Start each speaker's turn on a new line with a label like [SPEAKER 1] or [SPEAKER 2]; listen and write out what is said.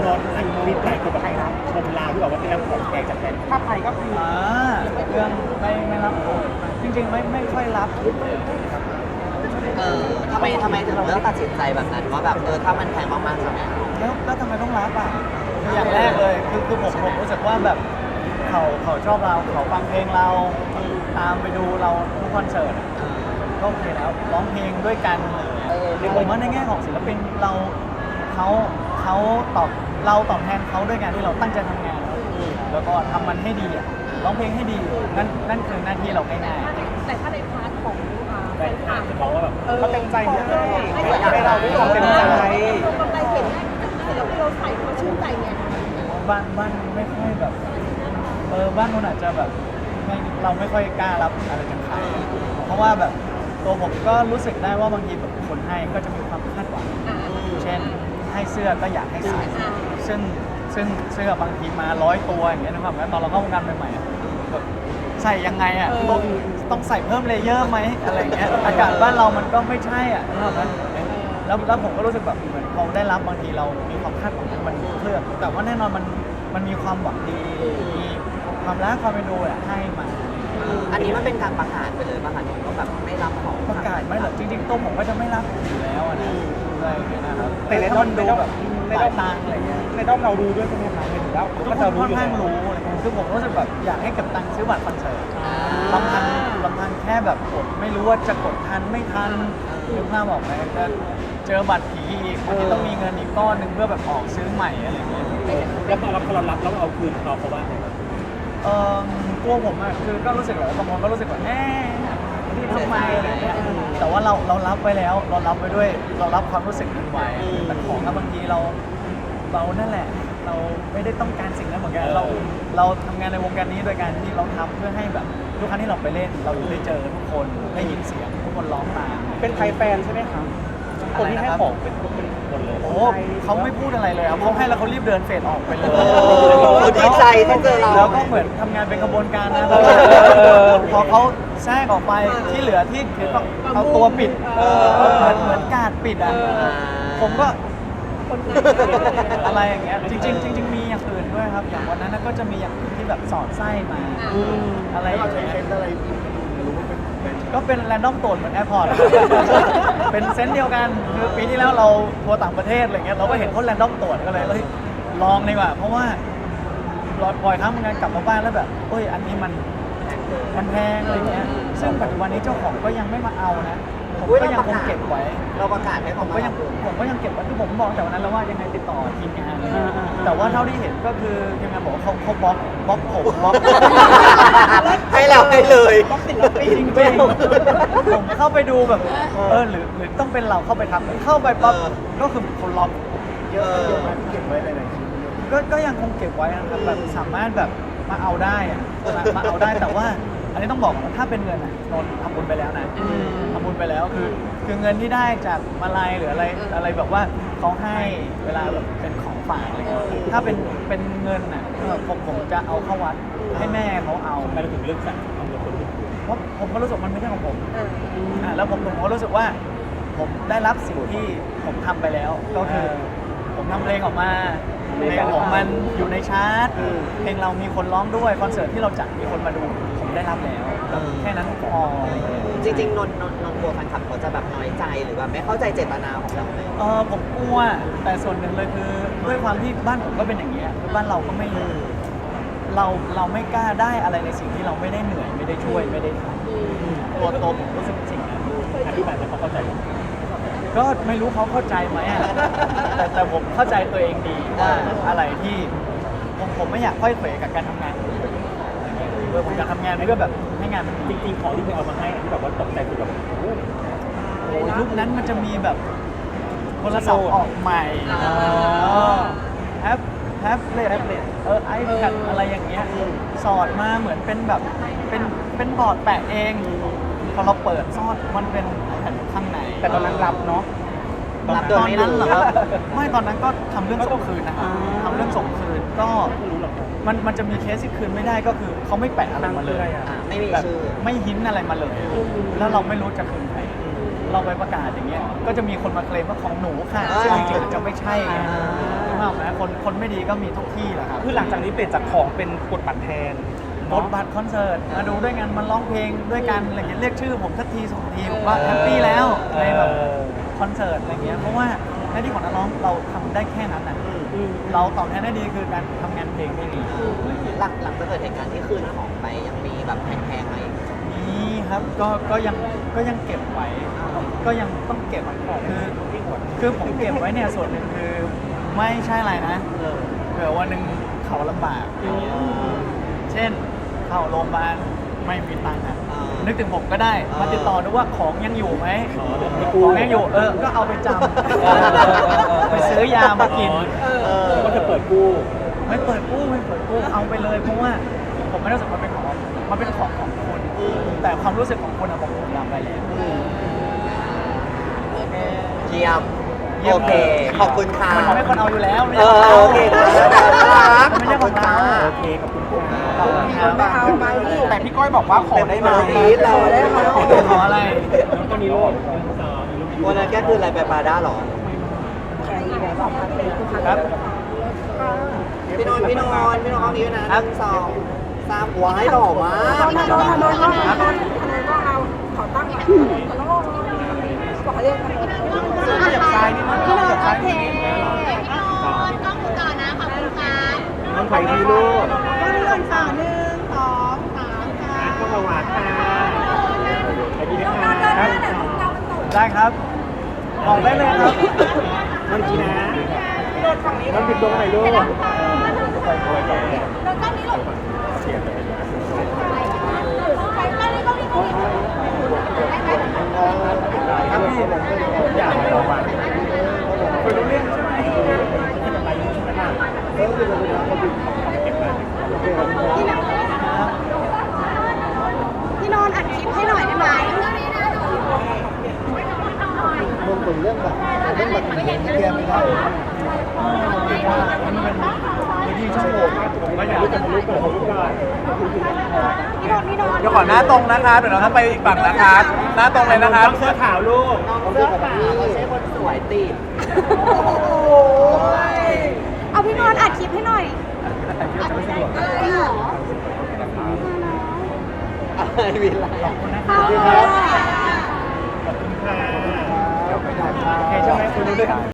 [SPEAKER 1] รถอันคลิปหลายคนแบบชมลาวที่บอกว่าได้รับของแจกจากแฟน
[SPEAKER 2] ถ้าไปก็คือ
[SPEAKER 3] เรื่องไม่รับจริงๆไม่ค่อยรับครับ
[SPEAKER 4] ทำไมถึงเลือกตัดสินใจแบบนั้นว่าแบบถ้ามันแพงมากๆใช่ไหม
[SPEAKER 3] แล้วทำไมต้องรับอ่ะอย่างแรกเลยคือผมรู้สึกว่าแบบเขาชอบเราเขาฟังเพลงเราตามไปดูเราทุกคอนเสิร์ตก็โอเคแล้วร้องเพลงด้วยกันผมว่าในแง่ของศิลปินเขาตอบแทนเขาด้วยการที่เราตั้งใจทำงานแล้วก็ทำมันให้ดีร้องเพลงให้ดีนั่นคือหน้าที่เราง่ายๆ
[SPEAKER 5] แต่ถ้าในพาร์ทของ
[SPEAKER 1] แฟนคลับจะมองว่าแบบ
[SPEAKER 2] เขาเต็มใจให้
[SPEAKER 5] ให้
[SPEAKER 2] เราไม่ยอมเต็มใจ
[SPEAKER 5] กำไรเห็นศิลปินเราใส่เขาชื่นใจไง
[SPEAKER 3] บ้านไม่ค่อยแบบบ้านนู้นอาจจะแบบเราไม่ค่อยกล้ารับอะไรจากใครเพราะว่าแบบตัวผมก็รู้สึกได้ว่าบางทีแบบคนให้ก็จะมีความคาดหวังเช่นให้เสื้อก็อยากให้ใส่ซึ่งเสื้อบางทีมา100 ตัวอย่างเงี้ยนะครับตอนเราเข้าวงการใหม่ๆแบบใส่ยังไงอ่ะต้องใส่เพิ่มเลเยอร์ไหมอะไรเงี้ยอากาศบ้านเรามันก็ไม่ใช่อ่ะนะครับแล้วผมก็รู้สึกแบบเหมือนพอได้รับบางทีเรามีความคาดหวังมันเคลือบแต่ว่าแน่นอนมันมีความหวังดีมีความรักความเป็นดูให้มา
[SPEAKER 4] อันนี้มันเป็นการประกาศไปเลยประกาศก็แบบไม่รับของ
[SPEAKER 3] ประกาศไม่หรอกจริงๆตัวผมก็จะไม่รับอยู่แล้วนะอะไรอย่างเงี้ยนะครับ
[SPEAKER 2] แต่ในด้อม
[SPEAKER 3] ดูแบบหลายตังอะไรเงี้ย
[SPEAKER 2] ในด้อมเรารู้ด้วยใช่ไหมคะเห็นแล้ว
[SPEAKER 3] ทุก
[SPEAKER 2] ก็
[SPEAKER 3] ค
[SPEAKER 2] จะ
[SPEAKER 3] น
[SPEAKER 2] รู้
[SPEAKER 3] ค่อน
[SPEAKER 2] อยู่
[SPEAKER 3] ข้าง
[SPEAKER 2] แล้ว
[SPEAKER 3] รู้อะไรเงี้ยคือผมรู้สึกแบบอยากให้เก็บตังค์ซื้อบัตรคอนเสิร์ตลำพังแค่แบบกดไม่รู้ว่าจะกดทันไม่ทันนึกภาพบอกไหมจะเจอบัตรผีอีกบางทีต้องมีเงินอีกก้อนหนึ่งเพื่อแบบออกซื้อใหม่อะไรเงี้ย
[SPEAKER 1] แล้วพอเรารับแล้วเอาคืนเขาว่าไงบ้าง
[SPEAKER 3] ตัวผมอะคือก็รู้สึกแบบบางคนก็รู้สึกว่าที่ทำไมอะไรเงี้ยแต่ว่าเรารับไว้แล้วเรารับไว้ด้วยเรารับความรู้สึกนั้นไว้แต่ของบางทีเรานั่นแหละเราไม่ได้ต้องการสิ่งนั้นเหมือนกันเราทำงานในวงการนี้โดยการที่เราทำเพื่อให้แบบทุกครั้งที่เราไปเล่นเราได้เจอทุกคนได้ยินเสียงทุกคนร้องตาม
[SPEAKER 2] เป็นไทยแฟนใช่ไหมคะคนที่ให้ของเป็นคนเลย
[SPEAKER 3] โอ้เขาไม่พูดอะไรเลยครับเขาให้แล้วเขารีบเดินเฟดออกไปเลย
[SPEAKER 4] เขาดีใจที่เจอเรา
[SPEAKER 3] แล้วก็เหมือนทำงานเป็นกระบวนการนะพอเขาแทรกออกไปที่เหลือที่ถือก็เอาตัวปิดเหมือนการปิดอ่ะผมก็อะไรอย่างเงี้ยจริงๆมีอย่างอื่นด้วยครับอย่างวันนั้นก็จะมีอย่างอื่นที่แบบสอดไส้มาอะไรอย่างเงี้ยก็เป็นแรนดอมตรวจเหมือนแอร์พอร์ตเป็นเซนส์เดียวกันคือปีที่แล้วเราทัวร์ต่างประเทศอะไรเงี้ยเราก็เห็นคนแรนดอมตรวจก็เลยลองดีกว่าเพราะว่าบ่อยครั้งเหมือนกันกลับมาบ้านแล้วแบบอันนี้มันแพงอะไรเงี้ยซึ่งปัจจุบันนี้เจ้าของก็ยังไม่มาเอานะผมก็ยังคงเก็บไว้
[SPEAKER 4] เราประกาศให้
[SPEAKER 3] ผมก็ยังเก็บไว้คือผมบอกแต่วันนั้นแล้วว่ายังไงติดต่อทีมงานแต่ว่าเท่าที่เห็นก็คือทีมงานบอกว่าเขาบล็อกผมบล็อก
[SPEAKER 4] ให้เราให้เลย
[SPEAKER 3] จริงๆผมเข้าไปดูแบบหรือต้องเป็นเราเข้าไปทำเข้าไปปั๊บก็คือคนล็อกเยอะเก็บไว้อะไรก็ยังคงเก็บไว้นะครับแบบสามารถแบบมาเอาได้มาเอาได้แต่ว่าอันนี้ต้องบอกว่าถ้าเป็นเงินนนทำบุญไปแล้วนะทำบุญไปแล้วคือเงินที่ได้จากมาลัยหรืออะไรแบบว่าเขาให้เวลาแบบเป็นของฝากอะไรเงี้ยถ้าเป็นเงินผมจะเอาเข้าวัดให้แม่เขาเอา
[SPEAKER 1] ทำไมเราถึงเลือกสั่งเอาเงินคนอื่น
[SPEAKER 3] เพราะผมก็รู้สึกมันไม่ใช่ของผมแล้วผมก็รู้สึกว่าผมได้รับสิ่งที่ผมทำไปแล้วก็คือผมทำเพลงออกมาเพลงของมันอยู่ในชาร์ตเพลงเรามีคนร้องด้วยคอนเสิร์ตที่เราจัดมีคนมาดูผมได้รับแล้วแค่นั้นพอ
[SPEAKER 4] จริงๆนนกลัวแฟนคลับเขาจะแบบน้อยใจหรือแบบไม่เข้าใจเจตนาของเราไหม
[SPEAKER 3] ผมกลัวแต่ส่วนหนึ่งเลยคือด้วยความที่บ้านผมก็เป็นอย่างเงี้ยบ้านเราก็ไม่เราไม่กล้าได้อะไรในสิ่งที่เราไม่ได้เหนื่อยไม่ได้ช่วยไม่ได้ทำตัวผมรู้สึกสิ่งนั้น
[SPEAKER 1] อธิบายให้เขาเข้าใจ
[SPEAKER 3] ก็ไม่รู้เขาเข้าใจไหมแต่ผมเข้าใจตัวเองดีว่าอะไรที่ผมไม่อยากค่อยเขวกับการทำงานผมอยากทำงานนี่ก็แบบให้งานมันจ
[SPEAKER 1] จริงๆของที่เคยเอามาให้ที่แบบว่าตกใจคือแบบ
[SPEAKER 3] ยุคนั้นมันจะมีแบบโทรศัพท์ออกใหม่แท็บเล็ตไอแพดอะไรอย่างเงี้ยสอดมาเหมือนเป็นแบบเป็นบอร์ดแปะเองพอเราเปิดซอดมันเป็นแผ่นข้างใน
[SPEAKER 2] แต่ตอนนั้นรับเนาะ
[SPEAKER 4] รับโดย
[SPEAKER 3] ตอน
[SPEAKER 4] ไม่
[SPEAKER 3] นั้น
[SPEAKER 4] รู้
[SPEAKER 3] เหรอครับไม่ตอนนั้นก็ทำเรื่องส่งคืนนะครับทำเรื่องส่งคืนก็มันจะมีเคสที่คืนไม่ได้ก็คือเขาไม่แปะอะไรมาเลย
[SPEAKER 4] ไม่มี
[SPEAKER 3] แบบ
[SPEAKER 4] ชื่อ
[SPEAKER 3] ไม่หินอะไรมาเลย แล้วเราไม่รู้จะคืนใครเราไปประกาศอย่างเงี้ยก็จะมีคนมาเคลมว่าของหนูค่ะซึ่งจริงๆจะไม่ใช่ไงถูกไหมคนไม่ดีก็มีทุกที่แหละครับ
[SPEAKER 2] คือหลังจากนี้เปลี่ยนจากของเป็นกดบัตรแทน
[SPEAKER 3] กดบัตรคอนเสิร์ตมาดูด้วยกันมาร้องเพลงด้วยกันอะไรเงี้ยเรียกชื่อผมสักทีสองทีผมว่าแฮปปี้แล้วในแบบคอนเสิร์ตอะไรเงี้ยเพราะว่าหน้าที่ของนักร้องเราทำได้แค่นั้นนะเราตอบแทนได้ดีคือการทำงานเพลงที่ดี
[SPEAKER 4] หลังจากเกิดเหตุการณ์ที่คืนของไปยังมีแบบแพงๆมาอีก
[SPEAKER 3] นี่ครับก็ยังเก็บไว้ ก็ยังต้องเก็บคือผมเก็บไว้เนี่ยส่วนหนึ่งคือไม่ใช่อะไรนะเผื่อวันหนึ่งเขาลำบากอย่างเงี้ยเช่นเข้าโรงพยาบาลไม่มีตังค์อ่ะนึกถึงผมก็ได้มาติดต่อดูว่าของยังอยู่ไหมของยังอยู่ก็เอาไปจำไปซื้อยามากิน
[SPEAKER 1] ก็จะเปิดกู้
[SPEAKER 3] ไม่เปิดกู้เอาไปเลยเพราะว่าผมไม่ได้รู้สึกมันเป็นของมันเป็นของของคุณแต่ความรู้สึกของคุณอะผมรับไปแล้ว
[SPEAKER 4] เยี่ยมโอเคขอบคุณค่ะ
[SPEAKER 3] มันไม่คนเอาอยู่แล้วไม่
[SPEAKER 4] เอ
[SPEAKER 3] ใช่
[SPEAKER 4] อ
[SPEAKER 3] ของเรา
[SPEAKER 4] โอเคน่ารัก
[SPEAKER 3] มันไม่ใช่ของเรา
[SPEAKER 1] โอเคขอบคุณค่ะ
[SPEAKER 3] ขอบคุณครับ
[SPEAKER 5] มาเอาไปนี่
[SPEAKER 2] แต่พี่ก้อยบอกว่าขอได้ไหม
[SPEAKER 4] เราได้ไหม
[SPEAKER 3] ขออะไร
[SPEAKER 1] แล้วก็มีโลด
[SPEAKER 4] วันนั้นแกคืออะไรไปปาด้าหรอ
[SPEAKER 5] ใช่ไหมบอกมาเป็นคุณ
[SPEAKER 3] ครับ
[SPEAKER 4] พี่นนท์ห้องนี้ด้วยนะ1 2 3ว้ายหล่อมาก
[SPEAKER 5] ทนายก็เอาขอตั้งหลักขอต้องบอกเรียกกัน
[SPEAKER 2] อยากซ้ายนิดนึงอยากซ้ายนิดนึง
[SPEAKER 1] น้องไผ่ดีลูก
[SPEAKER 5] 1 2 3 ค่ะ
[SPEAKER 1] ก็มาหวานค่ะไผ่ดีนะคะ
[SPEAKER 3] ได้ครับบอกได้เลยครับ
[SPEAKER 1] น้องจีนะน้องปิดตรงไหนลูก
[SPEAKER 5] แล้วก็นี่หลบ
[SPEAKER 1] เสียเลย
[SPEAKER 5] ไปก็นี่ก็นี่ก็นี่ได้ไหม
[SPEAKER 3] ครับพี่
[SPEAKER 1] อยากให้เราหวาน
[SPEAKER 3] คุยรู้เรื่องใช่ไหม
[SPEAKER 1] ที่จะไปยุ่งใช่ไหมล่ะเออคือเราเก็บไว้
[SPEAKER 5] พี่นอนอัดคลิปให้หน่อยได้ไหม
[SPEAKER 3] มันเป็นพื้นที่ช่องโหว่ผมก็อยาก
[SPEAKER 1] จะมาลุกก่อนลุกก่อน
[SPEAKER 5] พี่นอน
[SPEAKER 2] เดี๋ยวขอหน้าตรงนะครับเดี๋ยวเราต้องไปอีกฝั่งนะครับ หน้าตรงเลยนะครับ
[SPEAKER 1] เสื้อขาวลูก
[SPEAKER 4] เสื้อขาวไม่ใช่คนสวยติด
[SPEAKER 5] เอาพี่นอนอัดคลิปให้หน่อยจริงเหรอ
[SPEAKER 4] อะไรวินไล
[SPEAKER 3] ขอบคุณนะค
[SPEAKER 5] ข
[SPEAKER 3] รั
[SPEAKER 5] อ
[SPEAKER 3] บบ
[SPEAKER 5] คุณค่ะ
[SPEAKER 1] ขอบคุณค่ะ
[SPEAKER 3] โอเคใช่ไหมคุยรู้เรื่อง